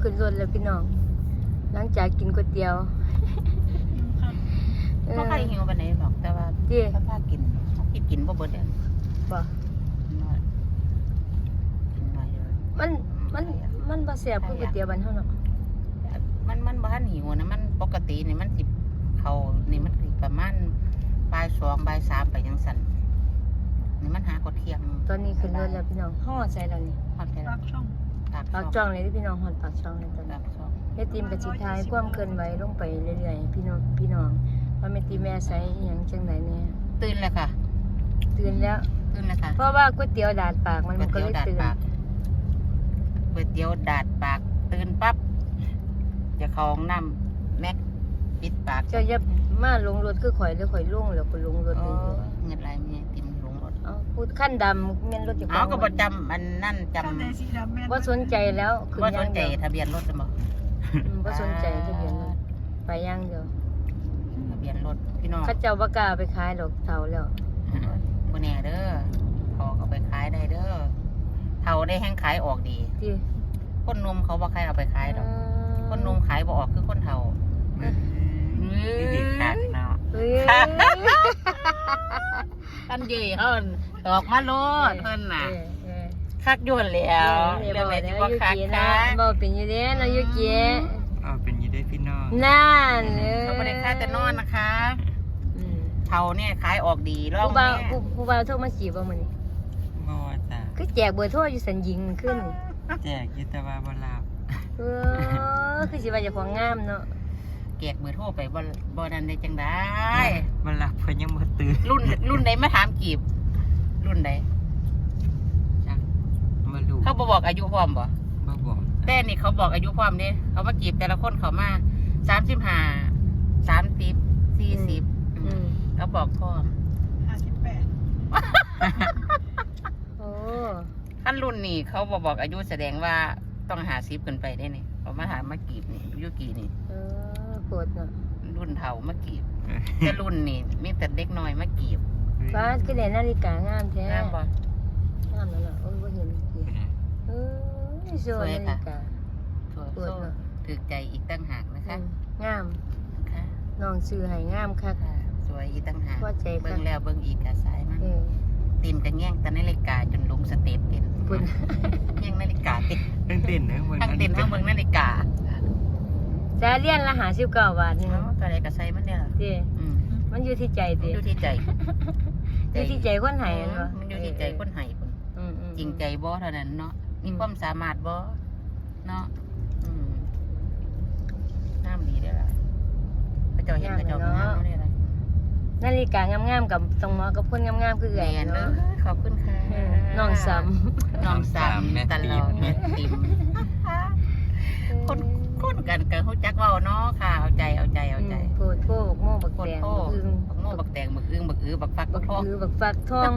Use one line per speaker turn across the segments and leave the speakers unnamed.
ขึ้นรถแล้วพี่น้องหลังจากกินก๋วยเตี๋ยว
เพราะใครหิวไปไหนหรอกแต่ว่าถ้าพากินกินบ่เบิดเนี่ย
บ่มันบ่แซ่บคือก๋วยเตี๋ยวบ้านเฮาเนาะ
มันบ่ทันหิวนะมันปกตินี่มันสิเขานี่มันสิประมาณบ่าย2บ่าย3ไปจังซั่นนี่มันหากดเที่ยง
ตอนนี้ขึ้นรถแล้วพี่น้องฮอดใส่แล้วนี่
ฮอดแค่
ปากช่อง
ปากช่องเลยที่พี่น้องฮอดปากช่องเลยตอนนี้แม่ติมกับสิทายความเคลื่อนไหวลงไปเรื่อยๆพี่น้องว่าแม่ติมแม่ใส่อิหยังจังได๋เนี่ย
ตื่นแล้วค่ะ
ตื่นแล้ว
ค่ะ
เพราะว่าก๋วยเตี๋ยวดาดปากมันก็เลยตื่น
ก๋วยเตี๋ยวดาดปากตื่นปั๊บจะเข้าห้องน้ำแม็กปิดปาก
เจ้าอย่ามาลงรถคือข่อยแล้วข่อยลงแล้วก็ลงรถนี่
เงินไรเมียติมลงรถ
เอาพูดขั้นดำแม่นรถอยู่
เอาก็ประจำอันนั่นจ
ข้างในสีดำแม่น
บ่สนใจแล้วขึ้น
ำว่า
อ
ส
ย่าน ง
ใจ
เดียว
ทะเบียนรถจะบอก
บ่สนใจทะเบียนรถไปอย่างเดียว
ทะเบียนรถพี่น้อง
เขาเจ้าบ่กล้าไปขายดอกเฒ่าแล้ว
บ่แน่เด้อเขาไปขายได้เด้อเท่าได้แห้งขายออกดี
ที่
คนนมเขาบ่ใครเอาไปขายดอกคนนมขายบ่ออกคือคนเท่าดีคักเนาะ
เฮ้ย
กันเย่เฮินออกมาโลดเฮินน่ะคักยวนแล้วเรื่องอะไรที่ว่าคักคัก
บ่เป็นอยู่เด้เนาะยูกิ
เป็นยี่ได้พี่น้อง
นั่น
เขาไม่ได้ค่าแต่นอนนะคะเท่าเนี่ยขายออกดีรอบ
ผู้บ่าว
นี้
ผู้บ่าวโทรมาจีบบ่มื้อนี้
บ่จ้ะ
คือแจกเบอร์โทรอยู่สัญญิงขึ้น
แจกอยิตวาบลาบ
คือสิว่าเจ้าของงามเนาะ
แกกเบอร์โทรไปบ่นันได้จังได้
บลาบเพิ่นยังบ่ตื่น
รุ่นใดมาถามกีบ รุ่นใด
จ้ะมาดู
เขาบอกอายุพร้อมบ่
บ่บอก
แต่นี่เขาบอกอายุพร้อมเนี่ยเขามากีบแต่ละคนเขามา35 30 40เขาบอกพร้อม
58
โอ้
ขั้นรุ่นนี่เขาบอกอายุแสดงว่าต้อง50ขึ้นไปได้นี่เขามาถามมากีบนี่อายุกี่นี่
โคตรเนาะ
รุ่นเฒ่ามากีบแต่รุ่นนี่มีแต่เด็กน้อยมากีบ
ฟ้าคือได้นาฬิกางามแท้
งามบ่
งามแล้วเนาะโอ้ยบ่เห็นสวยนาฬิกา
สวยโซ่ถือใจอีกตั้งหากนะคะ
งาม
ค่ะ
น้องซื้อให้งามคัก
สวยอีกตั้งหาก
พอใจคัก
เบิ่งแล้วเบิ่งอีกกะสายมันตีนกระแง่งแต่นาฬิกาจนลงสเตปเป็น
คุณ
แง่งนาฬิกาติด
ตั้งเต้นนะเบิ่ง
ทั้งตีนทั้งเบิ่งนาฬิกา
จะเรียนละ59 บาทนึง
ตัวใดก็ใส่มันเนี่ย
ติมันอยู่ที่ใจติ
อยู่ที่ใจ
อยู่ที่ใจคนให้เนาะ
มันอยู่ที่ใจคนให้คนจริงใจบ่เท่านั้นเนาะมีความสามารถบ่เนาะน้ำดีได้ล่ะพระเจ้าเห็นพระเจ้าก็งามได้ล่ะ
นาฬิกางามๆกับตรงหมอกับคนงามๆคือ
แม่
ไง
นเด้อ
เนาะ
ขอบคุณค่ะ
น้องซ้
น้องสามตลอดแม่ติมคนกันเขาจักเว้าเนาะค่ะเอาใจ
โคตรโคกโม่บัก
โค
แต
ตรง โค
อึ้ง
บักโม่บักแตงบักอึ้งบักอื้อบักฟักบักทอง
คือบักฟักทอง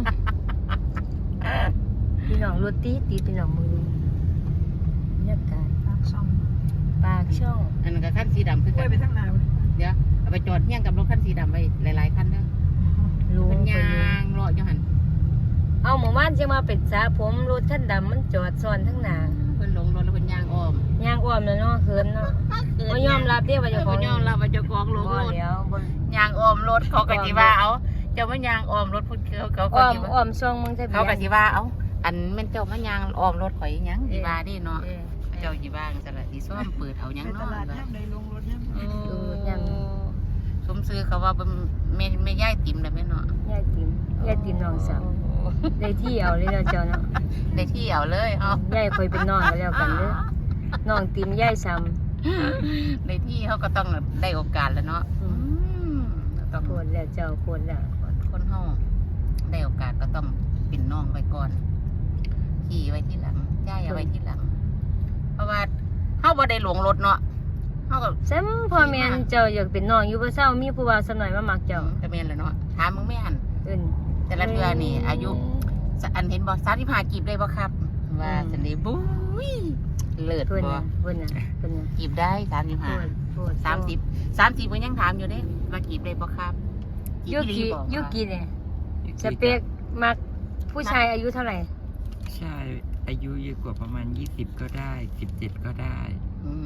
พี่น้องรถตีพี่น้องมือบรรยากาศ
ปากช่อง
ปากช่อง
อันนั้นก็ขั้นสีดำคือ
ไป
กัน
ไปทางหน้า
เดี๋ยวเอาไปจอดเฮี้ยงกับรถขั้นสีดำไว้หลายๆคันเด้อ
รู้
มันยางเลาะอยู่หัน
เอาหมู่บ้านจะมาเป็นสาผมรถคันดำมันจอดซ้อนทั้งหน้า
เพิ่นลงรถแล้วเพิ่นยางอ้อม
ย่างอ้อมแล้วเนาะเขินเนาะบ่ยอมรับเด้ว่าเจ้าของ
ยอมรับว่าเจ้าของลง
บ่
รถ
แล้วบ่
ยางอ้อมรถเขาก็สิว่าเอาเจ้ามายางอ้อมรถพุ่นเขาก็
อ้อม
สิว่า
อ้อมช่องมึงทะเบียน
เขาก็สิว่าเอาอันแม่นเจ้ามายางอ้อมรถข่อยอีหยังสิว่าดิเนาะ
เออ
เจ้าสิว่าจังซั่นล่ะสิซ่อมเปิดเอาหยัง
ไปต
เนาะ
ลาดย่ำใดลงรถย่ำ
สมซื้อเขาว่าเป็นแม่ย่ายติ๋มแล้วแม่เนาะ
ยายติ๋มน้องสาวได้ที่เอาเลยเนาะเจ้าเนาะ
ได้ที่เอาเลยเอา
ยายค่อยเป็นน้องกันแล้วกันเด้อน้องติ๋มยายซ้ำ
ในที่เขาก็ต้องได้โอกาสแล้วเนาะต้อง
โคตรแล้วเจ้าโคตรแล้ว
คนห้องได้โอกาสก็ต้องปิ่นน้องไว้ก่อนขี่ไว้ที่หลังย่ายเอาไว้ที่หลัง เพราะว่าเขาบ่ได้หลวงรถเนาะเขาก็
ซ้ำพ่อแม่นเจ้าอยากเป็นน้องอยู่บ่เศร้ามีผู้ว่าสำหน่อยมามักเจ้า
จะเป็นแล้วเนาะถามมึงแม่หัน
เอิ้น
แต่ละเทือนี่ อายุอันเห็นบอก35กีบได้บ่ครับ ว่าสันนี้บุ้ยเลิศ
เพิ่น
บ่
น่ะเพิ่นน่ะเพิ่นน่ะ
กีบได้
โคตร
30มันยังถามอยู่เด้ว่ากีบได้บ่ครับ
ยูกิเนี่ยสเปคมักผู้ชายอายุเท่าไหร่
ใช่อายุเยอะกว่าประมาณ20ก็ได้17ก็ได้
อืม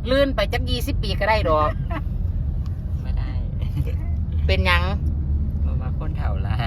ลื่นไปจัก20 ปีก็ได้ดอก
ไม่ได้
เป็นหยัง
เพราะว่าคนเฒ่าหลาย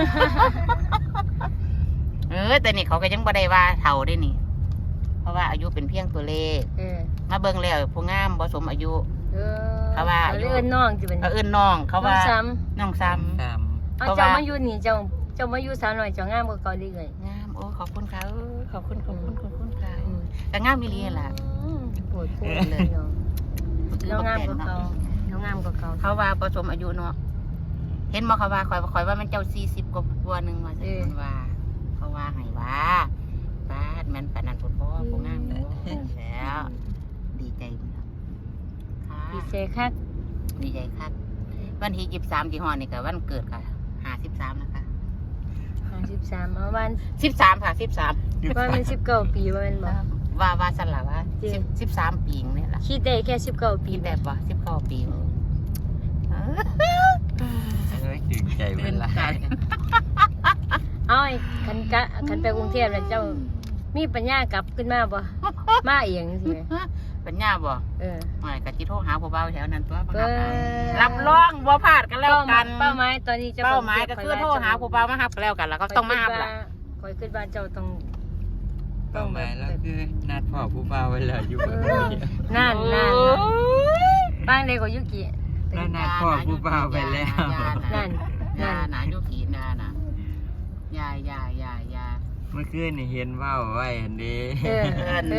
แต่นี่เขาก็ยังบ่ได้ว่าเฒ่าได้นี่ เพราะว่าอายุเป็นเพียงตัวเลข มาเบิ่งแล้วผู้งามบ่สมอายุ เขาว่าอายุ
เอิ้นน้องสิเป็น
เอิ้นน้องเขาว่า
ซ้
น้องซ้
ตาม
ำเอา
เพราะ
เจ้า
ว่า
มาอยู่นี่เจ้ามาอยู่สาวน้อยเจ้างามกว่าเก่าเลย
ำงามโอ้ขอบคุณค่ะขอบคุณค่ะแต่งามอีหลีล่ะ
ปวดพูดเลยน้องน้องงามกว่าเก่าน้องงามกว่าเก่า
เขาว่าบ่สมอายุเนาะเห็นบ่เขาว่าข่อยว่ามันเจ้า40กว่านึงว่าซั่นว่าเขาว่าให้ว่าบ้านมันปานนั้นพุ่นบ่ผู้งามบ่แล้ว ดีใจค่ะ
ดีเซคัก
ดีใจครับวันที่23ที่ฮอดนี่ก็วันเกิดค่ะ53นะคะ
53เอาวัน
13ค่ะ13
ว่ามัน19ปีว่ามันบ่
ว่าสั่นล่ะว่า
จริง
13ปีนี่ล่ะ
คิดได้แค่19ปี
ปีแบบว่า19ปี
ถึงใจเวลา
เอาไอ้คันไปกรุงเทพแล้วเจ้ามีปัญญากลับขึ้นมาบ่มาเองสิแม่
ปัญญาบ่ ไม่ก็สิโทรหาผู้บ่าวแถวนั้นตัว
เปิ้
รับรองบ่พลาดกันแล้วกัน
เป้าหมายตอนนี้เจ้า
เป้าหมายก็คือโทรหาผู้บ่าวมารับกันแล้วกันแล้วก็ต้องมารับล่ะ
คอยคิดว่าเจ้าต้อง
เป้าหมายแล้วคือนัดพ่อผู้บ่าวไว้แล้วอยู่บน
เอ
นี้
อนั่นบ้างเลยกว่ายุกิ
แล้วนัดพ่อผู้บ่าวไปแล้ว
นั่น
ยาหนายุกีนาน่ะยา
เมื่อคืนนี่เห็นว่าวไว้อันนี้
เออ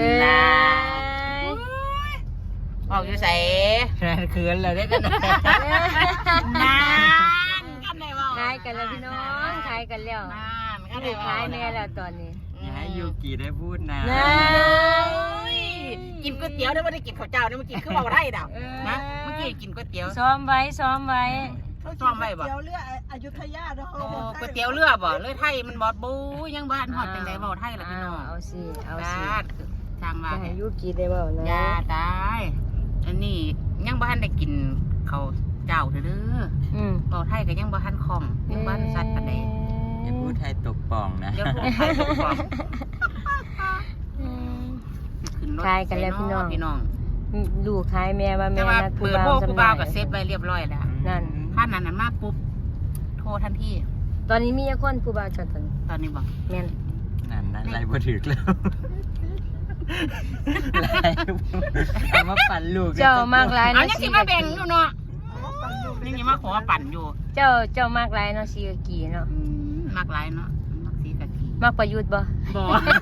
บอกอยู่ใส่
นั่นคืนแล้วได้กันนะ
นานกันได้บ่
ขายกันแล้วพี่น้องขายกันแล้ว
นานกัน
นี่
ได้
ขายแม่แล้วตอนนี้
อย่าให้ยูกิได้พูดนะ
นั่น
กินก๋วยเตี๋ยวได้ไม่ได้กินข้าวเจ้าได้เมื่อกี้คือเบาได้ดอกนะเมื่อกี้กินก๋วยเตี๋ยว
ซ้อมไว้ซ้อมไว้
ซ้อมไว้บ่
เดี๋ยวเรืออยุธยาเนาะ
โอ้ก๋วยเตี๋ยวเรือบ่เรือไทยมันบอดบูยังบ้านฮอดจังได๋บ่ไทยล่ะพี่น้อง
เอาสิเอา
บ
สิ
าดทางว่า
จะให้ยุกิได้เปล่านะ
ยาตายอันนี้ยังบ่ทันได้กินข้าวเจ้าเด้อ
อืม
เบาไทยก็ยังบ่ทันคล่องยังบ่ทันสัตว์ปานใด
อย่าพูดไทยตกป่องนะ
เดี๋ยวพูดไทยตกฟอง
อืม
ขึ้นรถ
ขายกันแล้วพี่น้อง
พี่น้อง
ลูกขายแม่ว่า
แต่
แม่
ว่า
นัด
เปิดโทรผู้บ่าวก็เซฟไว้เรียบร้อยแล้ว
นั่น
ถ้านั้นมาปุ๊บโทรทันที
ตอนนี้มีคนผู้บ่าวจอดตอน
ตอนนี้บอก
แม่น
นั่นไรบ่ถึกแล้วไรเอามาปั่นลูก
เจ้ามากหลาย
เอา
เนาะ
ยังสิมาแบ่งอยู่เนาะยังสิมาขอปั่นอยู่
เจ้ามากหลายเนาะสีกะกีเนาะ
มากหลายเนาะมักสีกะกี
มากประยุทธ์บ่
บ่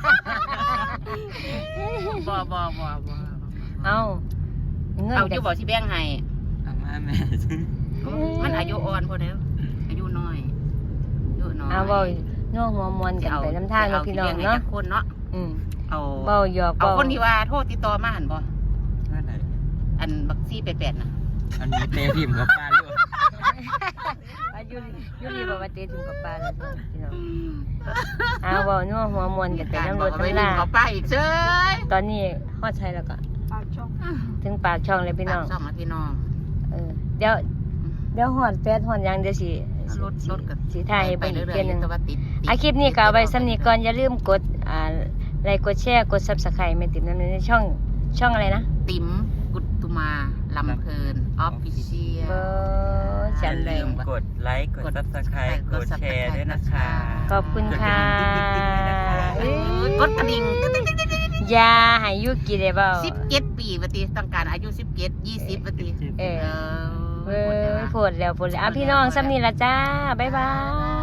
บ่
เอาเงิน
เอา
กั
อยู่บ่สิแบ่งให้
เอามาแม่
มันอายุอ่อนพอแล้วอายุน้อยอายุน้อย
เอาเว้าน้องหัวมวนกันไปน้ำทางเนาะพี่น้องเนาะ
คนเนาะ
อืม
เอา
เว้าหยอก
เอา
เว้า
คนที่ว่าโทษติดต่อมาหั่นบ่
ว่าไหน
อันบักซี่88น่ะ
อันนี้เตะพิมพ์กับป้าลูก
อายุยุรีบอกว่าเตะถึงกับปลาแล้วพี่น้องเอาเว้าน้องหัวมวนกันไปน้ำรถ
เอาไป
น้ำ
ดึ
ลาง
เอาไปอีกเซ้ย
ตอนนี้ฮอดใช้แล้วก็
ปากช่อง
ถึงปากช่องเลยพี่น้อง
ซ่อมมาพี่น้อง
เดี๋ยวหอดแปดหอดหยังเดี๋ยวสิ
รถกับ
สิถ่ายให้
ไป
เบิ่งอี
เรื่
ก
อย
เทื่อหนึง
ๆแต่ว่าติด
คลิปนี้ก็เอาไว้สำนี้ก่อนอย่าลืมกดไลค์กดแชร์กด Subscribe แม่ติ๋มนั่นในช่องอะไรนะ
ติ๋มกุตุมาลำเพลินออฟฟิเชียล
เบอร์
อ
ฉั
ย่าน
เล
ลื
ย
มกดไลค์กดซับสไครต์กดแชร์ด้วยนะคะ
ขอบคุณค่ะ
กดกระดิ่ง
อยาให้ยุกิได้เปล่า
17 ปีปฏิต้องการอายุ17 20ปฏิ
เออ
เอ
เว้ยโพดแล้วอ่ะพี่น้องสำนี้ละจ้าบ๊ายบาย